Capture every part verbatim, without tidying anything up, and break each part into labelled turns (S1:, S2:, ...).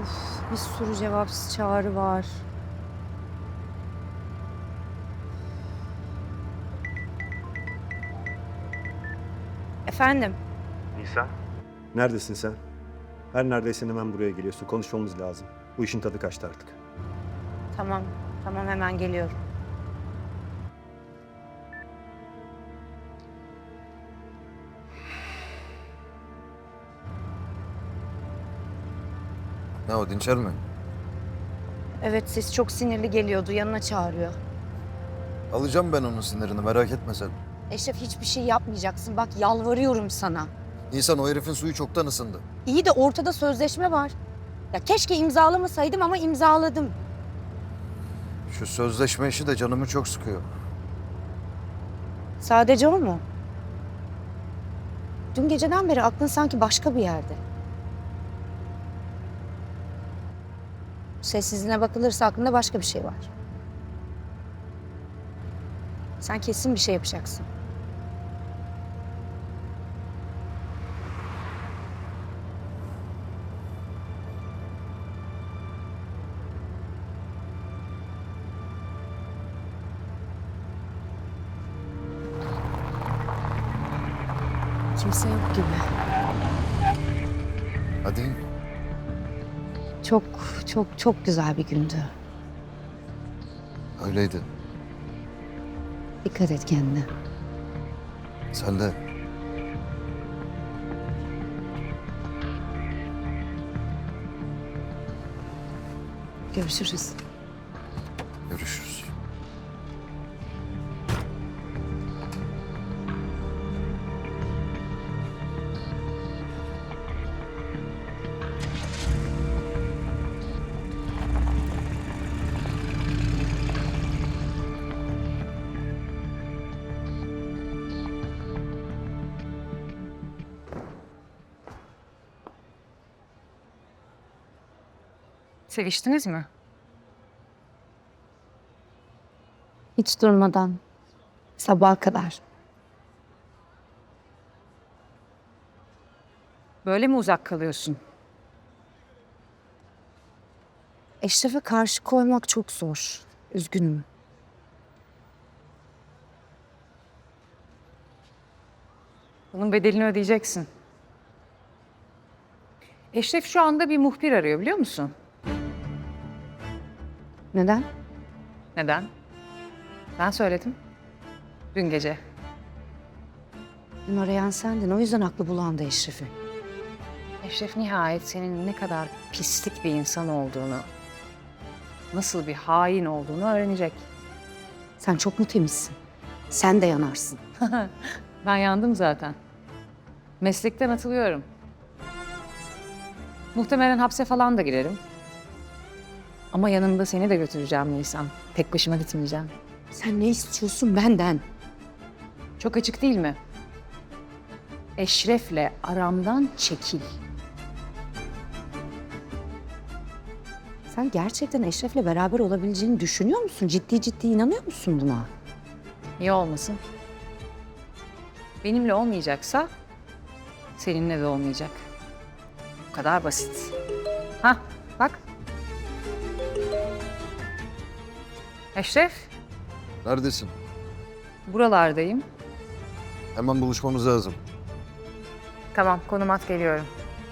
S1: Of, bir sürü cevapsız çağrı var. Efendim?
S2: Nisan? Neredesin sen? Her neredeysen hemen buraya geliyorsun. Konuşmamız lazım. Bu işin tadı kaçtı artık.
S1: Tamam, tamam hemen geliyorum.
S3: Ne o, Dinçer mi?
S1: Evet, ses çok sinirli geliyordu. Yanına çağırıyor.
S3: Alacağım ben onun sinirini, merak etme sen.
S1: Eşref hiçbir şey yapmayacaksın. Bak yalvarıyorum sana.
S3: İnsan, o herifin suyu çoktan ısındı.
S1: İyi de ortada sözleşme var. Ya keşke imzalamasaydım ama imzaladım.
S3: Şu sözleşme işi de canımı çok sıkıyor.
S1: Sadece o mu? Dün geceden beri aklın sanki başka bir yerde. Sessizliğine bakılırsa aklında başka bir şey var. Sen kesin bir şey yapacaksın. Kimse yok gibi.
S3: Hadi.
S1: Çok, çok, çok güzel bir gündü.
S3: Öyleydi.
S1: Dikkat et kendine.
S3: Sen de.
S1: Görüşürüz.
S3: Görüşürüz.
S4: Seviştiniz mi?
S1: Hiç durmadan. Sabaha kadar.
S4: Böyle mi uzak kalıyorsun?
S1: Eşref'e karşı koymak çok zor. Üzgünüm.
S4: Bunun bedelini ödeyeceksin. Eşref şu anda bir muhbir arıyor, biliyor musun?
S1: Neden?
S4: Neden? Ben söyledim. Dün gece.
S1: Dün arayan sendin. O yüzden aklı bulandı Eşref'i.
S4: Eşref nihayet senin ne kadar pislik bir insan olduğunu, nasıl bir hain olduğunu öğrenecek.
S1: Sen çok mu temizsin? Sen de yanarsın.
S4: Ben yandım zaten. Meslekten atılıyorum. Muhtemelen hapse falan da girerim. Ama yanımda seni de götüreceğim Nisan. Tek başıma gitmeyeceğim.
S1: Sen ne istiyorsun benden?
S4: Çok açık değil mi? Eşref'le aramdan çekil.
S1: Sen gerçekten Eşref'le beraber olabileceğini düşünüyor musun? Ciddi ciddi inanıyor musun buna?
S4: Niye olmasın? Benimle olmayacaksa seninle de olmayacak. Bu kadar basit. Hah, bak. Eşref,
S3: Neredesin?
S4: buralardayım.
S3: Hemen buluşmamız lazım.
S4: Tamam, konum at, geliyorum.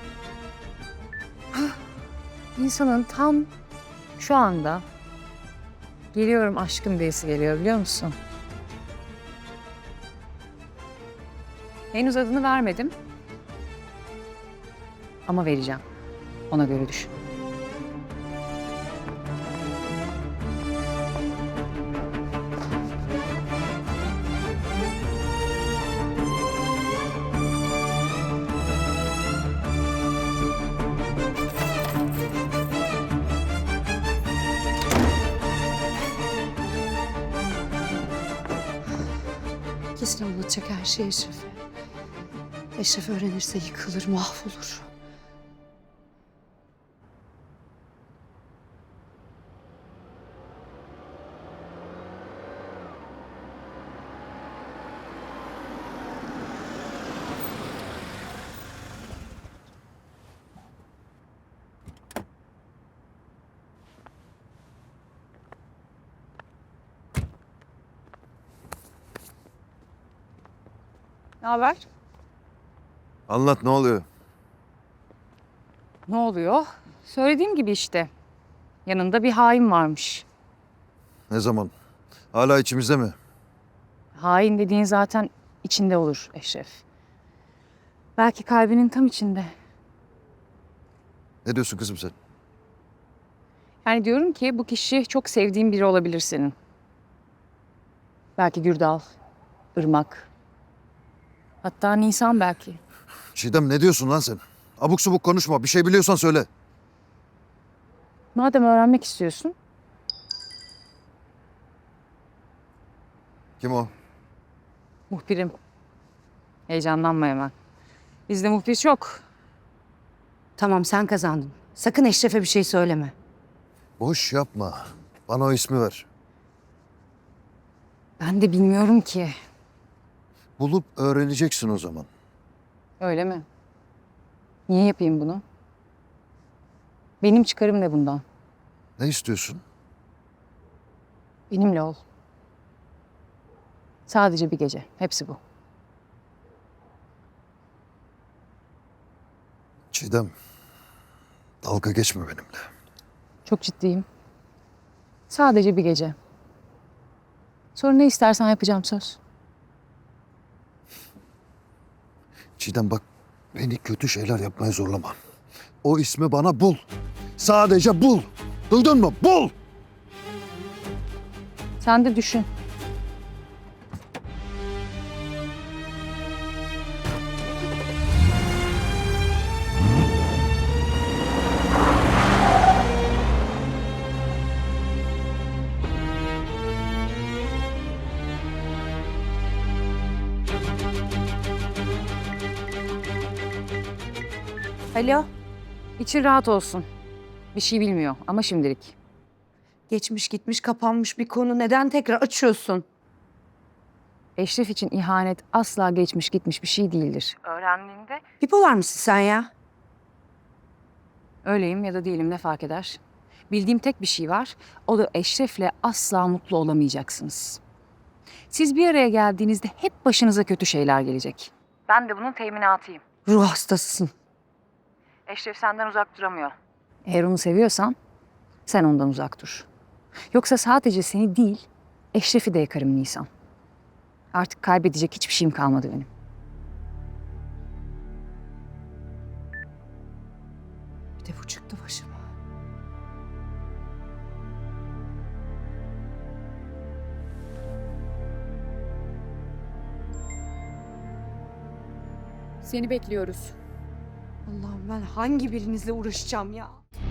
S4: Hah, İnsanın tam şu anda geliyorum aşkım diyesi geliyor, biliyor musun? Henüz adını vermedim. Ama vereceğim. Ona göre düşün.
S1: Kesin anlatacak her şeyi Eşref'e. Eşref öğrenirse yıkılır, mahvolur.
S4: Ne haber?
S3: Anlat, ne oluyor?
S4: Ne oluyor? Söylediğim gibi işte. Yanında bir hain varmış.
S3: Ne zaman? Hala içimizde mi?
S4: Hain dediğin zaten içinde olur Eşref. Belki kalbinin tam içinde.
S3: Ne diyorsun kızım sen?
S4: Yani diyorum ki bu kişi çok sevdiğin biri olabilir senin. Belki Gürdal, Irmak. Hatta Nisan belki.
S3: Çiğdem, ne diyorsun lan sen? Abuk subuk konuşma. Bir şey biliyorsan söyle.
S4: Madem öğrenmek istiyorsun,
S3: Kim o?
S4: muhbirim. Heyecanlanma hemen. Bizde muhbir çok.
S1: Tamam sen kazandın. Sakın Eşref'e bir şey söyleme.
S3: Boş yapma. Bana o ismi ver.
S4: Ben de bilmiyorum ki.
S3: Bulup öğreneceksin o zaman.
S4: Öyle mi? Niye yapayım bunu? Benim çıkarım ne bundan?
S3: Ne istiyorsun?
S4: Benimle ol. Sadece bir gece. Hepsi bu.
S3: Çiğdem, dalga geçme benimle.
S4: Çok ciddiyim. Sadece bir gece. Sonra ne istersen yapacağım söz.
S3: Çiğdem bak, beni kötü şeyler yapmaya zorlama. O ismi bana bul. Sadece bul. Duydun mu? Bul!
S4: Sen de düşün.
S1: Alo.
S4: İçin rahat olsun. Bir şey bilmiyor ama şimdilik.
S1: Geçmiş gitmiş kapanmış bir konu. Neden tekrar açıyorsun?
S4: Eşref için ihanet asla geçmiş gitmiş bir şey değildir. Öğrendiğinde
S1: Bipolar mısın sen ya?
S4: öyleyim ya da değilim ne fark eder? Bildiğim tek bir şey var. O da Eşref'le asla mutlu olamayacaksınız. Siz bir araya geldiğinizde hep başınıza kötü şeyler gelecek. Ben de bunun teminatıyım.
S1: Ruh hastasısın.
S4: Eşref senden uzak duramıyor. Eğer onu seviyorsan sen ondan uzak dur. Yoksa sadece seni değil, Eşref'i de yakarım Nisan. Artık kaybedecek hiçbir şeyim kalmadı benim.
S1: Bir de bu çıktı başıma.
S4: Seni bekliyoruz.
S1: Allah'ım ben hangi birinizle uğraşacağım ya?